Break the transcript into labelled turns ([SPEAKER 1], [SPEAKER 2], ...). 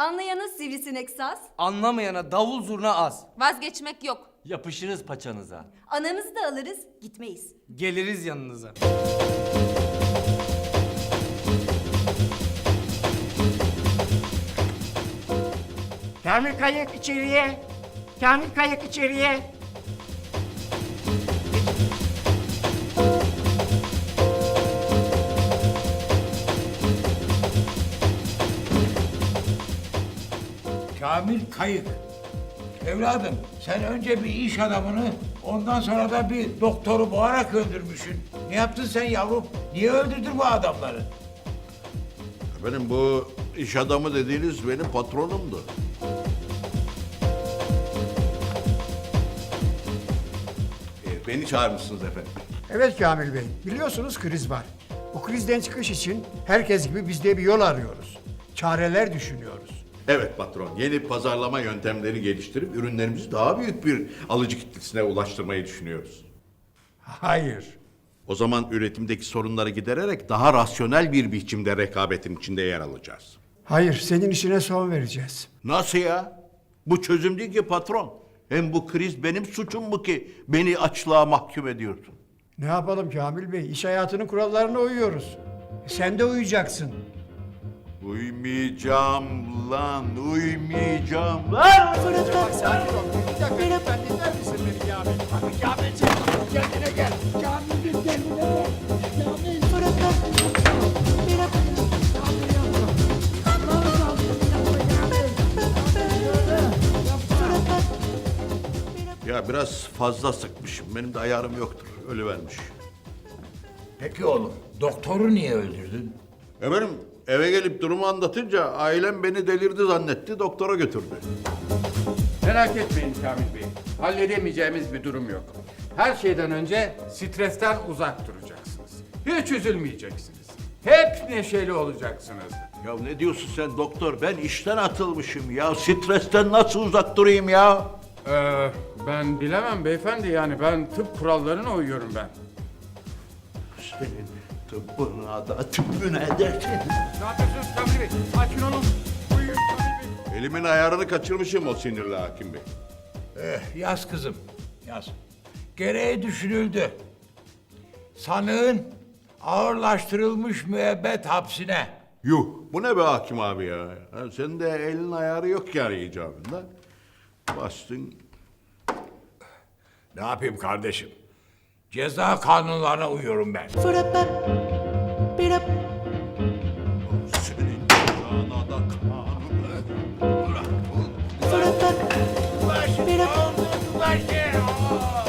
[SPEAKER 1] Anlayana sivrisinek saz,
[SPEAKER 2] Anlamayana davul zurna az.
[SPEAKER 3] Vazgeçmek yok.
[SPEAKER 4] Yapışırız paçanıza.
[SPEAKER 1] anamızı da alırız, gitmeyiz.
[SPEAKER 2] Geliriz yanınıza.
[SPEAKER 5] Kamil Kayık içeriye. Kamil Kayık içeriye.
[SPEAKER 6] Kamil Kayık. Evladım sen önce bir iş adamını ondan sonra da bir doktoru boğarak öldürmüşsün. Ne yaptın sen yavrum? Niye öldürdün bu adamları?
[SPEAKER 7] Benim bu iş adamı dediğiniz benim patronumdu.
[SPEAKER 8] Beni çağırmışsınız efendim.
[SPEAKER 5] Evet Kamil Bey, biliyorsunuz kriz var. Bu krizden çıkış için herkes gibi biz de bir yol arıyoruz. Çareler düşünüyoruz.
[SPEAKER 7] Evet patron, yeni pazarlama yöntemleri geliştirip ürünlerimizi daha büyük bir alıcı kitlesine ulaştırmayı düşünüyoruz.
[SPEAKER 5] Hayır.
[SPEAKER 7] O zaman üretimdeki sorunları gidererek daha rasyonel bir biçimde rekabetin içinde yer alacağız.
[SPEAKER 5] Hayır, senin işine son vereceğiz.
[SPEAKER 7] Nasıl ya? Bu çözüm değil ki patron. Hem bu kriz benim suçum mu ki beni açlığa mahkum ediyorsun?
[SPEAKER 5] Ne yapalım Kamil Bey? İş hayatının kurallarına uyuyoruz. Sen de uyacaksın.
[SPEAKER 7] Uymayacağım lan, uymayacağım lan!
[SPEAKER 5] Bak sakin ol. Bir dakika lütfen dinler misin beni Kamil? Abi Kamilciğim kendine gel. Kamil'cim kendine gel. Kamil.
[SPEAKER 7] Ya biraz fazla sıkmışım. Benim de ayarım yoktur. Ölüvermiş.
[SPEAKER 6] Peki oğlum doktoru niye öldürdün?
[SPEAKER 7] Efendim eve gelip durumu anlatınca ailem beni delirdi zannetti. Doktora götürdü.
[SPEAKER 9] Merak etmeyin Kamil Bey. Halledemeyeceğimiz bir durum yok. Her şeyden önce stresten uzak duracaksınız. Hiç üzülmeyeceksiniz. Hep neşeli olacaksınız.
[SPEAKER 7] Ya ne diyorsun sen doktor? Ben işten atılmışım ya. Stresten nasıl uzak durayım ya?
[SPEAKER 9] Ben bilemem beyefendi, yani ben tıp kurallarına uyuyorum ben.
[SPEAKER 7] Senin tıbbına da tüpüne dersin.
[SPEAKER 9] Ne yapıyorsunuz Kamil Bey? Sakin olun. Uyuyun Kamil Bey.
[SPEAKER 7] Elimin ayarını kaçırmışım o sinirli hakim bey.
[SPEAKER 6] Yaz kızım yaz. Gereği düşünüldü. Sanığın ağırlaştırılmış müebbet hapsine.
[SPEAKER 7] Yuh bu ne be hakim abi ya? Ha, senin de elin ayarı yok yani icabında. Bastın.
[SPEAKER 6] Ne yapayım kardeşim? Ceza kanunlarına uyuyorum ben.
[SPEAKER 7] Senin cezana da kanun.
[SPEAKER 6] Ulaş, ulaş, ulaş, ulaş.